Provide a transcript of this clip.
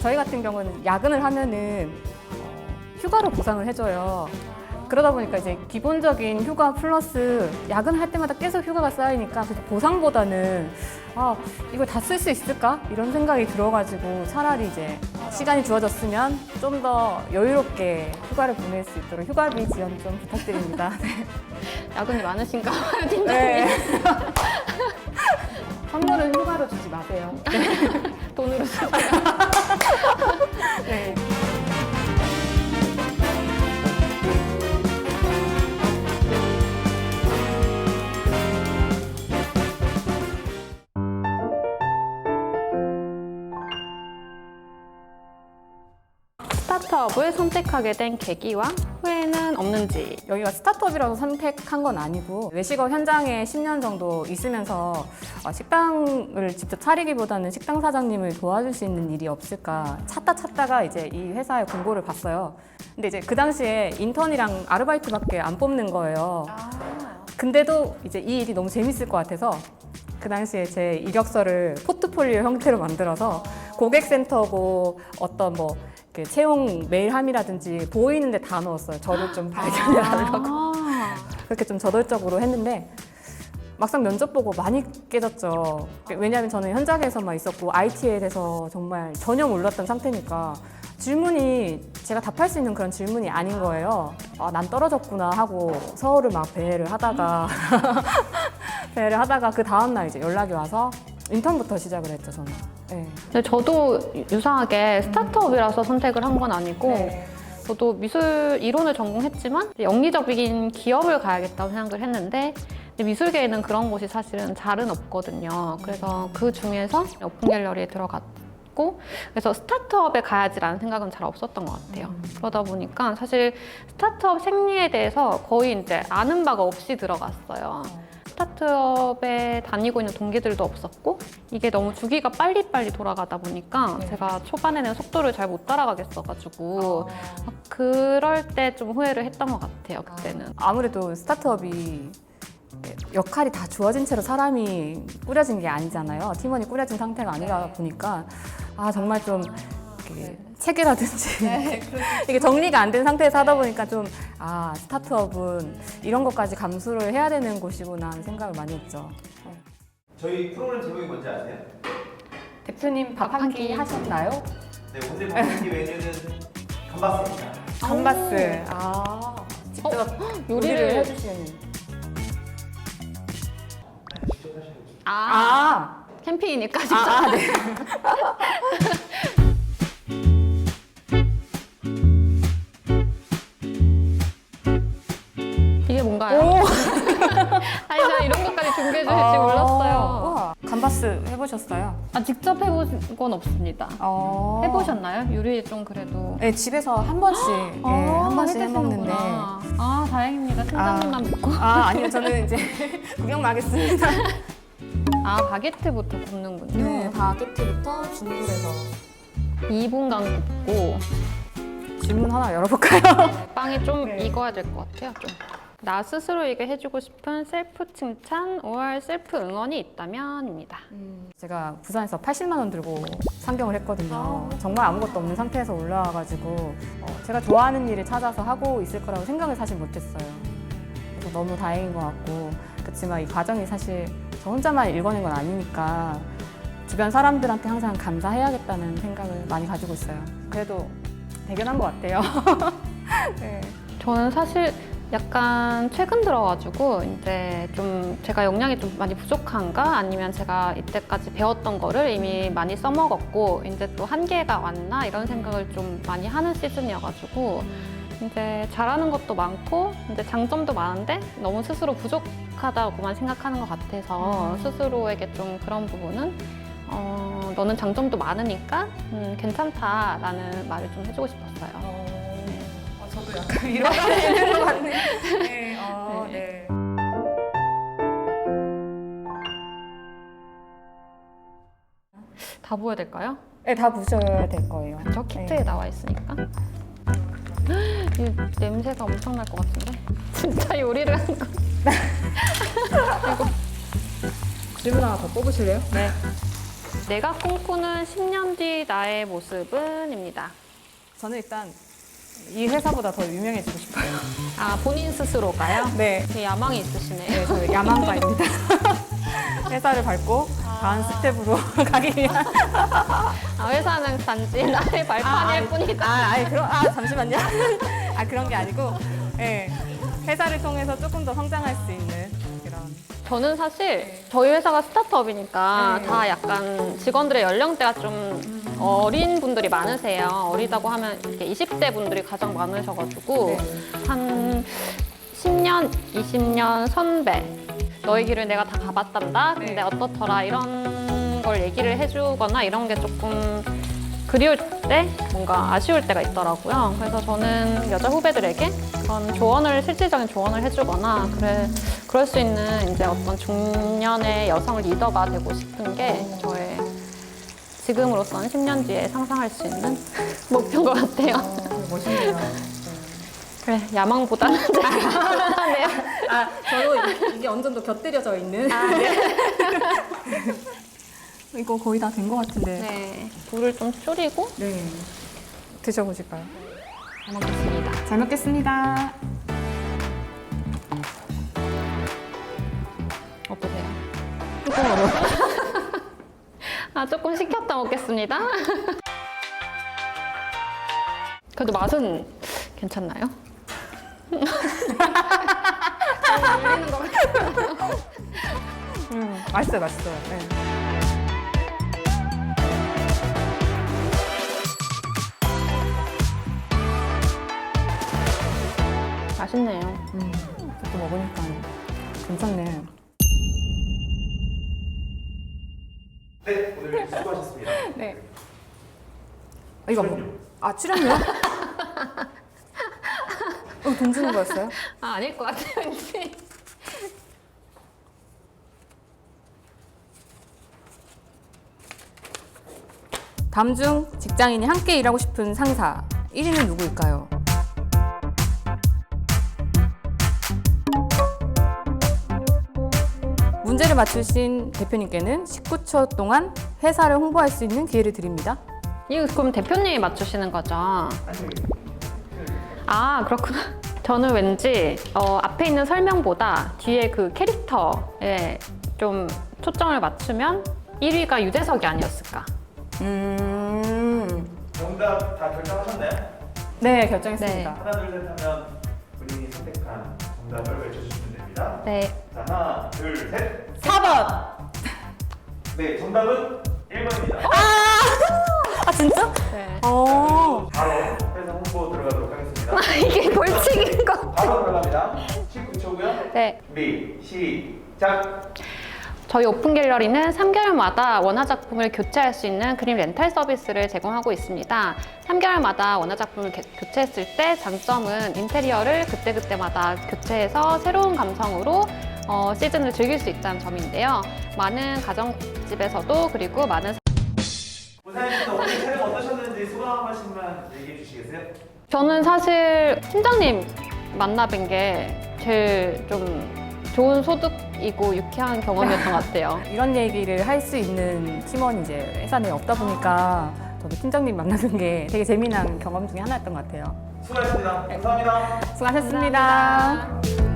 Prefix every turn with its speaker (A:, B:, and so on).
A: 저희 같은 경우는 야근을 하면은 휴가로 보상을 해줘요. 그러다 보니까 이제 기본적인 휴가 플러스 야근할 때마다 계속 휴가가 쌓이니까 그래서 보상보다는 이걸 다 쓸 수 있을까? 이런 생각이 들어가지고 차라리 이제 시간이 주어졌으면 좀 더 여유롭게 휴가를 보낼 수 있도록 휴가비 지원 좀 부탁드립니다.
B: 야근이 많으신가 봐요, 팀장님.
A: 네. 선물은 휴가로 주지 마세요.
B: 돈으로 쓰세요.
A: 네.
B: 스타트업을 선택하게 된 계기와 후회는 없는지.
A: 여기가 스타트업이라서 선택한 건 아니고 외식업 현장에 10년 정도 있으면서 식당을 직접 차리기보다는 식당 사장님을 도와줄 수 있는 일이 없을까 찾다가 이제 이 회사의 공고를 봤어요. 근데 이제 그 당시에 인턴이랑 아르바이트밖에 안 뽑는 거예요. 근데도 이제 이 일이 너무 재밌을 것 같아서 그 당시에 제 이력서를 포트폴리오 형태로 만들어서 고객센터고 어떤 뭐 채용 메일함이라든지 보이는데 다 넣었어요. 저를 좀 발견해 하려고. 그렇게 좀 저돌적으로 했는데 막상 면접 보고 많이 깨졌죠. 왜냐하면 저는 현장에서만 있었고 IT에 대해서 정말 전혀 몰랐던 상태니까 질문이 제가 답할 수 있는 그런 질문이 아닌 거예요. 난 떨어졌구나 하고 서울을 막 배회를 하다가 그 다음날 이제 연락이 와서 인턴부터 시작을 했죠, 저는. 네.
B: 근데 저도 유사하게 스타트업이라서 선택을 한 건 아니고
A: 네.
B: 저도 미술 이론을 전공했지만 영리적인 기업을 가야겠다고 생각을 했는데 근데 미술계에는 그런 곳이 사실은 잘은 없거든요. 그래서 그 중에서 오픈 갤러리에 들어갔고 그래서 스타트업에 가야지라는 생각은 잘 없었던 것 같아요. 그러다 보니까 사실 스타트업 생리에 대해서 거의 이제 아는 바가 없이 들어갔어요. 스타트업에 다니고 있는 동기들도 없었고 이게 너무 주기가 빨리빨리 돌아가다 보니까 제가 초반에는 속도를 잘 못 따라가겠어가지고 그럴 때 좀 후회를 했던 것 같아요, 그때는.
A: 아무래도 스타트업이 역할이 다 주어진 채로 사람이 꾸려진 게 아니잖아요. 팀원이 꾸려진 상태가 아니다 보니까 정말 좀 이렇게 책이라든지 이게 정리가 안 된 상태에서 하다 보니까 좀 스타트업은 이런 것까지 감수를 해야 되는 곳이구나 하는 생각을 많이 했죠.
C: 저희 프로그램 제목이 뭔지 아세요?
A: 대표님 밥 한 끼 하셨나요?
C: 네, 오늘 먹는 메뉴는 감바스입니다.
A: 감바스. 직접 요리를 해주시는.
C: 직접 하시는 거죠?
B: 캠페인이니까 진짜.
A: 네.
B: 이게 뭔가요? 아니 저 이런 것까지 준비해 주실 줄 몰랐어요.
A: 우와, 감바스 해보셨어요?
B: 직접 해본 건 없습니다. 해보셨나요? 요리 좀 그래도.
A: 네, 집에서 한 번씩 한 번씩 해먹는데.
B: 다행입니다. 팀장님만 믿고.
A: 아니요, 저는 이제 구경 가겠습니다.
B: 바게트부터 굽는군요.
A: 네, 바게트부터 중불에서.
B: 2분간 굽고
A: 질문 하나 열어볼까요?
B: 빵이 좀
A: 네.
B: 익어야 될 것 같아요. 좀. 나 스스로에게 해주고 싶은 셀프 칭찬 or 셀프 응원이 있다면입니다.
A: 제가 부산에서 80만 원 들고 상경을 했거든요. 정말 아무것도 없는 상태에서 올라와가지고 제가 좋아하는 일을 찾아서 하고 있을 거라고 생각을 사실 못했어요. 그래서 너무 다행인 것 같고 그렇지만 이 과정이 사실 저 혼자만 읽어낸 건 아니니까 주변 사람들한테 항상 감사해야겠다는 생각을 많이 가지고 있어요. 그래도 대견한 것 같아요. 네.
B: 저는 사실 약간 최근 들어가지고 이제 좀 제가 역량이 좀 많이 부족한가 아니면 제가 이때까지 배웠던 거를 이미 많이 써먹었고 이제 또 한계가 왔나 이런 생각을 좀 많이 하는 시즌이어가지고 이제 잘하는 것도 많고 이제 장점도 많은데 너무 스스로 부족하다고만 생각하는 것 같아서 스스로에게 좀 그런 부분은 너는 장점도 많으니까 괜찮다라는 말을 좀 해주고 싶었어요.
A: 저도 약간 위로가 되는 것 같네요. 네. 네.
B: 다 부어야 될까요?
A: 네, 다 부셔야 될 거예요.
B: 저 키트에 나와 있으니까. 이 냄새가 엄청 날 것 같은데? 진짜 요리를 한 거.
A: 질문 하나 더 뽑으실래요?
B: 네. 내가 꿈꾸는 10년 뒤 나의 모습은입니다.
A: 저는 일단 이 회사보다 더 유명해지고 싶어요.
B: 아, 본인 스스로가요?
A: 네.
B: 되게 야망이 있으시네요.
A: 네, 저 야망가입니다. 회사를 밟고 다음 스텝으로 가기 위한.
B: 아, 회사는 단지 나의 발판일 뿐이다.
A: 잠시만요. 그런 게 아니고, 네, 회사를 통해서 조금 더 성장할 수 있는 그런.
B: 저는 사실 저희 회사가 스타트업이니까
A: 네.
B: 다 약간 직원들의 연령대가 좀 어린 분들이 많으세요. 어리다고 하면 이렇게 20대 분들이 가장 많으셔가지고
A: 네.
B: 한 10년, 20년 선배. 너의 길을 내가 다 가봤단다. 근데
A: 네.
B: 어떻더라 이런 걸 얘기를 해주거나 이런 게 조금 그리울 때 뭔가 아쉬울 때가 있더라고요. 그래서 저는 여자 후배들에게 그런 조언을 실질적인 조언을 해주거나 그럴 수 있는 이제 어떤 중년의 여성 리더가 되고 싶은 게 저의 지금으로서는 10년 뒤에 상상할 수 있는 목표인 것 같아요.
A: 멋있네요.
B: 그래, 야망보다는 네.
A: 저도 이게 어느 정도 곁들여져 있는. 이거 거의 다 된 것 같은데.
B: 네, 불을 좀 줄이고
A: 네. 드셔보실까요?
B: 잘 먹겠습니다.
A: 잘 먹겠습니다.
B: 어떠세요?
A: 조금 어려워.
B: 아, 조금 식혔다 먹겠습니다. 그래도 맛은 괜찮나요?
A: 맛있어요, 맛있어요. 네.
B: 맛있네요.
A: 이렇게 먹으니까 괜찮네.
C: 네, 오늘 수고하셨습니다.
A: 네. 이거 뭐? 출연료? 돈 주는 거였어요?
B: 아, 아닐 것 같아요, 왠지.
A: 다음 중 직장인이 함께 일하고 싶은 상사 1위는 누구일까요? 문제를 맞추신 대표님께는 19초 동안 회사를 홍보할 수 있는 기회를 드립니다.
B: 이거 그럼 대표님이 맞추시는 거죠? 아, 그렇구나. 저는 왠지 앞에 있는 설명보다 뒤에 그 캐릭터에 좀 초점을 맞추면 1위가 유재석이 아니었을까.
C: 정답 다 결정하셨나요?
A: 네, 결정했습니다.
C: 하나, 둘, 셋 하면 본인이 선택한 정답을 외쳐주시면 됩니다.
B: 네.
C: 자, 하나, 둘, 셋.
A: 4번!
C: 네, 정답은 1번입니다.
A: 진짜?
B: 네.
A: 어.
C: 바로 회사 홍보 들어가도록 하겠습니다.
B: 이게 벌칙인 거.
C: 바로 들어갑니다. 19초고요.
B: 네.
C: 준비, 시작.
B: 저희 오픈 갤러리는 3개월마다 원화 작품을 교체할 수 있는 그림 렌탈 서비스를 제공하고 있습니다. 3개월마다 원화 작품을 교체했을 때 장점은 인테리어를 그때그때마다 교체해서 새로운 감성으로 시즌을 즐길 수 있다는 점인데요. 많은 가정집에서도 그리고 많은
C: 우사님 씨 오늘 촬영 어떠셨는지 소감 한 말씀만 얘기해 주시겠어요?
B: 저는 사실 팀장님 만나 뵌 게 제일 좀 좋은 소득이고 유쾌한 경험이었던 것 같아요.
A: 이런 얘기를 할 수 있는 팀원이 이제 회사 내에 없다 보니까 저도 팀장님 만나는 게 되게 재미난 경험 중에 하나였던 것 같아요.
C: 수고하셨습니다. 감사합니다.
A: 수고하셨습니다.